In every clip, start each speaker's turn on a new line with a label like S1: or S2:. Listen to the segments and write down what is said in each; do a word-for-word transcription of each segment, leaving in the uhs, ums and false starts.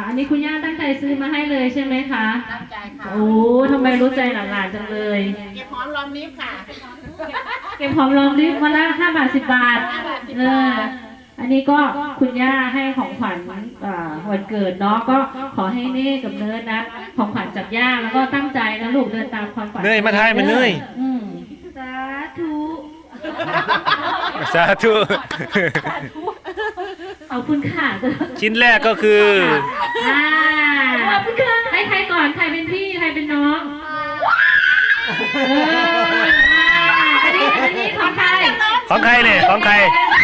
S1: อันนี้คุณย่าตั้งใจซื้อมาให้เลยใช่ไหมคะ
S2: ตั้งใจค่ะ
S1: โอ้ทำไมรู้ใจหลานๆจังเลย
S2: เก็บหอมรอมริบค่ะ
S1: เก็บหอมรอมริบมาละห้าบาทสิบบาทเอออันนี้ก็คุณย่าให้ของขวัญวันเกิดเนาะก็ขอให้เน่กับเนิร์ดนะของขวัญจากย่าแล้วก็ตั้งใจนะลูกเดินตามความฝัน
S3: เนยมาทายมันเนย
S1: สาธุ
S3: สาธุ
S1: ขอบคุณค่ะ
S3: ชิ้นแรกก็คือ
S1: อ่าขอบคุณค่ะให้ใครก่อนใครเป็นพี่ใครเป็นน้องเอออันนี้อันนี้ของใคร
S3: ของใครเนี่ยของใคร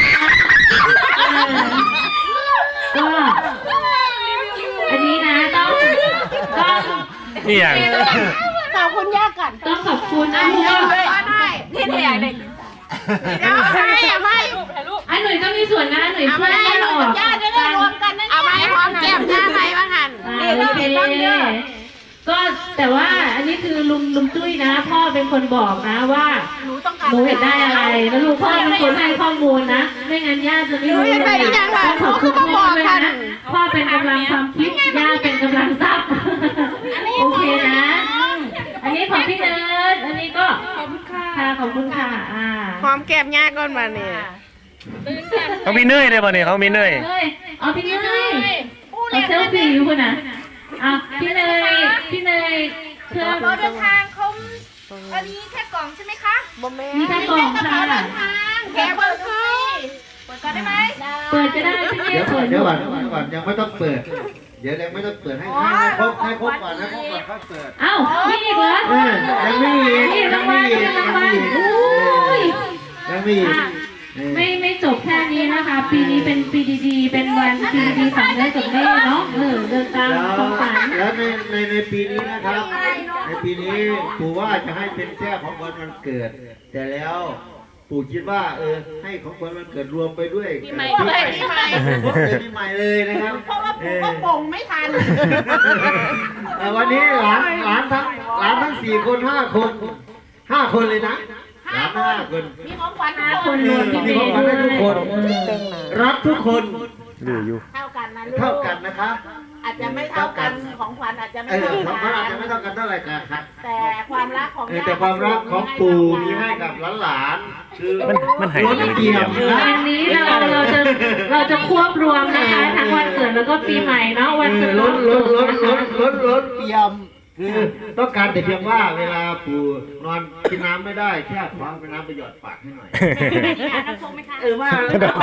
S1: ก็อันนี้นะต้องต้อง
S3: นี่อย่าง
S2: ขอบคุณย่าก่อน
S1: ต้องขอบคุณนะลูก
S2: ได้ที่ไหนเด็กเดี๋ยวให้เอาไม่
S1: อันหนุ่ยก็มีส่วนนะหนุ่ยช่วยให้ออก
S2: ย่าจะได้รวมกันนะเอาไม่พร้อมแก้มย่าไปบ้างหัน
S1: โอเคก็แต่ว่าอันนี้คือลุงลุงจุ้ยนะพ่อเป็นคนบอกนะว่าหนูต้องการหนูอยากได้อะไรแล้วลุงพ่อเป็นคนให้ข้อมูลนะไม่งั้นย่าจะไม่รู้เลยต้องขอบคุณพ่อด้วยนะพ่อเป็นกำลังความคิดย่าเป็นกำลังทรัพย์โอเคนะอันนี้ของพี่เนิร์ดอันนี้ก็ขอบคุณค่ะขอบคุณค่ะอ่า
S2: หอมแก้มย่าก่อนมาเนี่ย
S3: เขามีเนยได้ป่ะเนี่ยเขามีเนย
S1: เอาพี่เนยเอาเซลฟี่อยู่คุณนะอ่ะพี่เนยพี่เนย
S4: เพื่อเดินทางเขาอันนี้แค่กล่องใช่ไหมคะ
S1: มีแค่กล่องค่ะ
S4: แกเปิดให้เปิดก่อนได้ไหม
S1: เปิดจะได้พี่เนยเปิด
S5: เดี๋ยวก่อนเดี๋ยวก่อนยังไม่ต้องเปิดเดี๋ยวยังไม่ต้องเปิดให้ให้ครบให้ครบก่อนให้ครบก่อนค่อยเปิด
S1: เอ้ามีอีกเหรอ
S5: ยังไม่มี
S1: ยังไม่มียังไม่มี
S5: ยังไม่มี
S1: ไม่ไม่จบแค่นี้นะคะปีนี้เป็นปีดีๆเป็นวันปีดีของเล่กับแม่เนาะเออเดินตามความฝัน
S5: แล้วในในในปีนี้นะครับในปีนี้ปู่ว่าจะให้เป็นแค่ของขวัญวันเกิดแต่แล้วปู่คิดว่าเออให้ของขวัญวันเกิดรวมไปด้วย
S2: ปีใหม่ปีใหม่ปีใหม่
S5: ปีใหม่เลยนะครับ
S2: เพราะว่าปู่ก็ป่งไม่ทัน
S5: วันนี้หลานหลานทั้งหลานทั้งสี่คนห้าคนห้าคนเลยนะห้าคน
S2: มีของขวัญ
S1: ห้าคนรวม
S5: มีของขวัญให้ทุกคนรักทุกคน
S3: เหลืออยู่
S2: เท่ากันนะลูก
S5: เท่ากันนะครับ
S2: อาจจะไม่เท่ากันของขวัญอาจจะไม่เท่ากันของขวัญ
S5: อาจจะไม่เท่ากันเท่าไหร่ครับ
S2: แต่ความรักของ
S5: แต่ความรักของปู่มีให้กับหลานๆคือ
S3: มันมันหายไป
S5: เดียว
S1: วันนี้เราเราจะเราจะควบรวมนะคะทั้งวันเกิดแล้วก็ปีใหม่เนาะวันเกิด
S5: ลดลดลดลดลดลดเตรียมคือต้องการแต่เพียงว่าเวลาปู่นอนกินน้ำไม่ได้แค่คว้าเป็นน้ำไปหยอดปากให้หน่อยเออว่า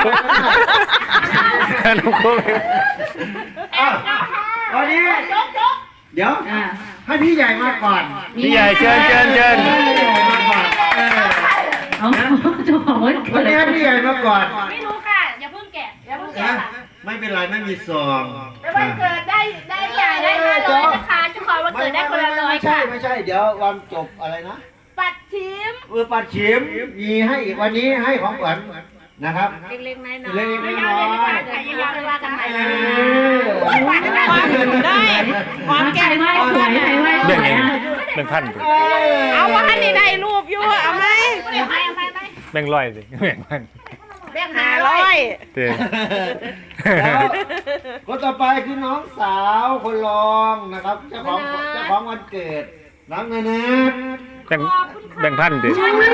S3: น้ำโค้ง
S5: วันนี้เดี๋ยวให้พี่ใหญ่มาก่อน
S3: พี่ใหญ่เชิญเชิญเชิญ
S5: มาก่อน
S1: เอาจะบอกว่า
S5: วันนี้ให้พี่ใหญ่มาก่อน
S4: ไม่รู้ค่ะอย่าเพิ่งแกะอย่าเพิ่งแกะ
S5: ไม่เป็นไรไม่มีซอง
S4: แล้ววันเกิดได้ได้ใหญ่ได้ห้าร้อยนะคะเจ้าของวันเกิดได้คนละร้อยค่ะ
S5: ไม่ใช่ไม่ใช่เดี๋ยววันจบอะไรนะ
S4: ปัดชิม
S5: เออปัดชิมมีให้อีกวันนี้ให้ของขวัญนะครับ
S4: เล็กๆน้อยๆ
S5: เล็กๆน้อย
S4: ๆเดี๋ยวยังไม่ว่ากันใหม่
S5: เอ
S2: อได้ความแก้ม
S1: ไหว้ไหว้ไหว้
S3: เรื่องนี้แบ่งพัน
S2: เอาว่าให้ได้รูปอยู่เอาไหม
S3: แบ่งร้อยสิแบ่งพัน
S2: แบ่งห้าร้อย
S3: เต้
S5: คนต่อไปคือน้องสาวคนรองนะครับเจ้าของเจ้าของวันเกิดน้องเนย
S3: แบ่งแบ่งพันดิ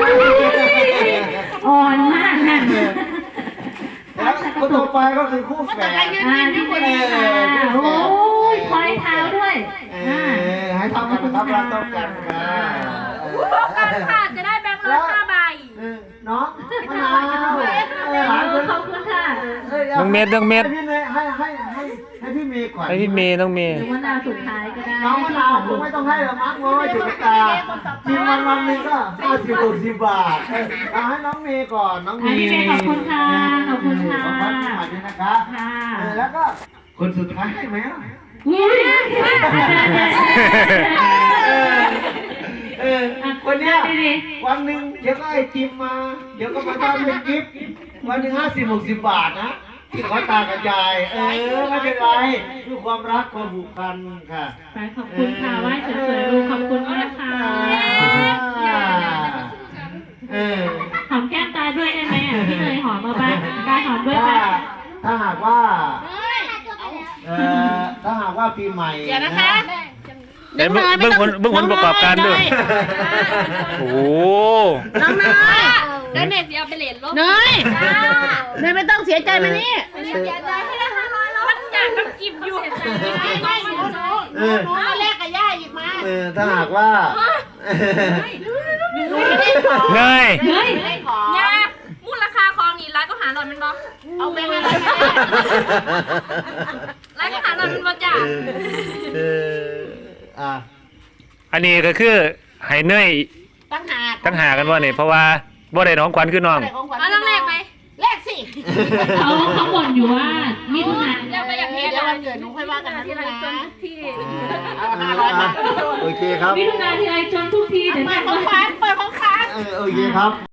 S1: อ่อนมากนะ
S5: แล้วคนต่อไปก็คือคู่แฝด
S1: อ่าที่เป็นโอ้ยคอยเท้าด้วย
S5: ให้เท่ากันนะครับเราต้องกันค่ะ
S4: ค่ะจะได้แบงค์ร้อยห้าใบ
S5: น้องมะนาวหลาน
S1: ขอบคุณค่ะ
S3: น้องเมย์น้องเมย์
S5: ให้พี่เมย์ให้ให้ให้ให้พี่เมย์ก่อน
S3: ให้พี่เมย์น้องเมย์
S1: มะนาวสุดท้ายก็ได้
S5: น้องมะนาวผมไม่ต้องให้หรอกมั้งง้อยจุกตากินวันวันนึงก็ห้าสิบหกสิบบาทเอาให้น้องเมย์ก่อนน้องเมย์
S1: พี่เมย์ขอบคุณค่ะขอบคุณค่ะ
S5: ขอบคุณมากเลยนะคะแล้วก็คนสุดท้ายให้ไหมเออวันนี้วันหนึ่งเดี๋ยวก็ไอติมมาเดี๋ยวก็มาทำเป็นกิฟต์วันหนึ่งห้าสิบหกสิบบาทนะที่ขอตากับยายเออไม่เป็นไรคือความรักความผูกพันค่ะ
S1: ขอบคุณค่ะไหว้สวยๆลูกขอบคุณมากค่ะ
S5: เออ
S1: หอมแก้มตาด้วยได้ไหมอ่ะพี่เลยหอมมาบ้างตาหอมด้วยไหม
S5: ถ้าหากว่าเอ่อถ้าหากว่าว่าปีใหม่
S2: เดี๋ยวนะคะ
S3: เดี๋ยวเบิ่งเบิ่งผลเบิ่งผลประกอบการด้วยโอ้โห
S2: น้องเนย
S4: แล้วเน็ตเดียวไปเหรียญลบ
S2: เนยเนยไม่ต้องเสียใจมานี่
S4: เสียใจให้ได้ห้าร้อยแล้วมันอยากกับกิบอยู่เสียใจไม่ไม่เสียใจ
S5: เออ
S2: หนูมาแลกกับย่าอีกมา
S5: เออถ้าหากว่า
S2: หนูไม่ได้ของ
S3: เนย
S1: เฮ้ย
S2: ไม่ได้ของ
S4: ยามูลราคาของนี่ร้านก็หาหล่อนมันบ่
S2: เอาไปมาเลย
S4: ร้านก็หาหล่อนมันบ่จ้า
S5: เอออ่ะ
S3: อันนี้ก็คือให้เนย
S2: ตั้งหาก
S3: ตั้งหากันว่านี่เพราะว่าบ่ได้น้องขวัญคือน้อง
S2: อะไรของขวัญ
S4: เอาต้องแลกไหม
S2: แลกสิ
S1: เขาเขาบ่นอยู่ว่ามิถุนา
S4: เดี๋ยวไปอย่างนี้
S2: เดี๋ยววันเกิดหนูค่อยว่ากันนะลูกนะ
S4: ที่
S2: เอาห้าร้อยบาท
S5: โอเคครับ
S1: มิถุนาทีไรจนทุกทีเดี๋ยว
S2: เปิ
S1: แม่
S2: ดของขวัญเปิดของขวัญ
S5: เออโอเคครับ